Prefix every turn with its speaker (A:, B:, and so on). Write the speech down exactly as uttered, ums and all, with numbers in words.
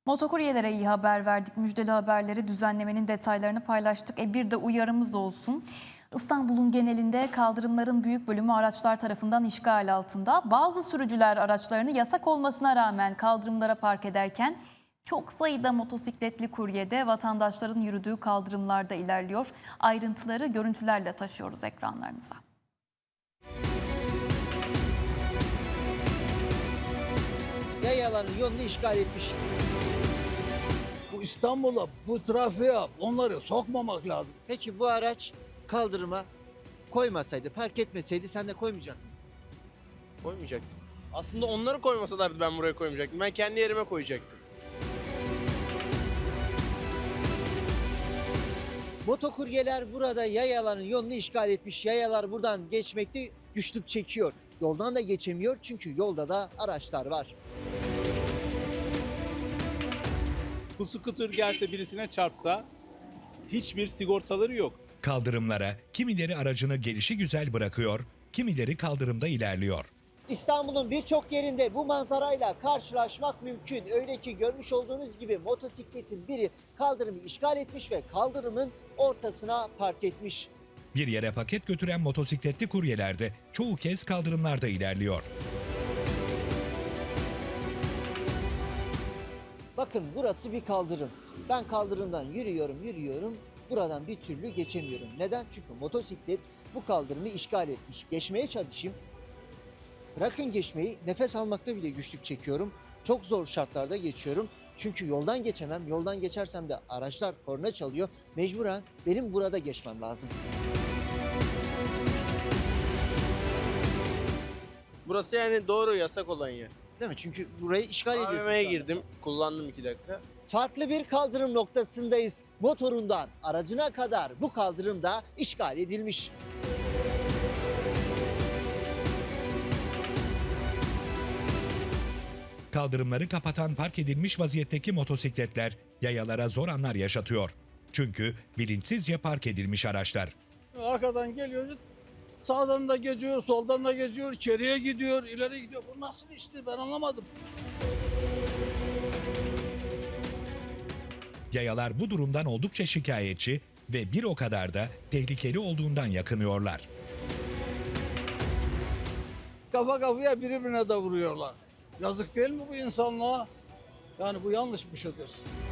A: Motokuryelere iyi haber verdik. Müjdeli haberleri, düzenlemenin detaylarını paylaştık. E bir de uyarımız olsun. İstanbul'un genelinde kaldırımların büyük bölümü araçlar tarafından işgal altında. Bazı sürücüler araçlarını yasak olmasına rağmen kaldırımlara park ederken çok sayıda motosikletli kurye de vatandaşların yürüdüğü kaldırımlarda ilerliyor. Ayrıntıları görüntülerle taşıyoruz ekranlarınıza.
B: Yayaların yolunu işgal etmiş.
C: Bu İstanbul'a, bu trafiğe onları sokmamak lazım.
B: Peki bu araç kaldırıma koymasaydı, park etmeseydi sen de koymayacaktın.
D: Koymayacaktım. Aslında onları koymasalardı ben buraya koymayacaktım. Ben kendi yerime koyacaktım.
B: Motokuryeler burada yayaların yolunu işgal etmiş. Yayalar buradan geçmekte güçlük çekiyor. Yoldan da geçemiyor çünkü yolda da araçlar var.
E: Bu scooter gelse birisine çarpsa hiçbir sigortaları yok.
F: Kaldırımlara kimileri aracını gelişigüzel bırakıyor, kimileri kaldırımda ilerliyor.
B: İstanbul'un birçok yerinde bu manzarayla karşılaşmak mümkün. Öyle ki görmüş olduğunuz gibi motosikletin biri kaldırımı işgal etmiş ve kaldırımın ortasına park etmiş.
F: Bir yere paket götüren motosikletli kuryeler de çoğu kez kaldırımlarda ilerliyor.
B: Bakın burası bir kaldırım. Ben kaldırımdan yürüyorum, yürüyorum. Buradan bir türlü geçemiyorum. Neden? Çünkü motosiklet bu kaldırımı işgal etmiş. Geçmeye çalışayım. Bırakın geçmeyi, nefes almakta bile güçlük çekiyorum. Çok zor şartlarda geçiyorum. Çünkü yoldan geçemem. Yoldan geçersem de araçlar korna çalıyor. Mecburen benim burada geçmem lazım.
D: Burası yani doğru yasak olan yer.
B: Değil mi? Çünkü burayı işgal ediyorsun.
D: A V M'ye
B: zaten.
D: girdim. Kullandım iki dakika.
B: Farklı bir kaldırım noktasındayız. Motorundan aracına kadar bu kaldırım da işgal edilmiş.
F: Kaldırımları kapatan park edilmiş vaziyetteki motosikletler yayalara zor anlar yaşatıyor. Çünkü bilinçsizce park edilmiş araçlar.
C: Arkadan geliyor, sağdan da geçiyor, soldan da geçiyor, içeriye gidiyor, ileri gidiyor. Bu nasıl işti ben anlamadım.
F: Yayalar bu durumdan oldukça şikayetçi ve bir o kadar da tehlikeli olduğundan yakınıyorlar.
C: Kafa kafaya birbirine de vuruyorlar. Yazık değil mi bu insanlığa? Yani bu yanlış bir şeydir.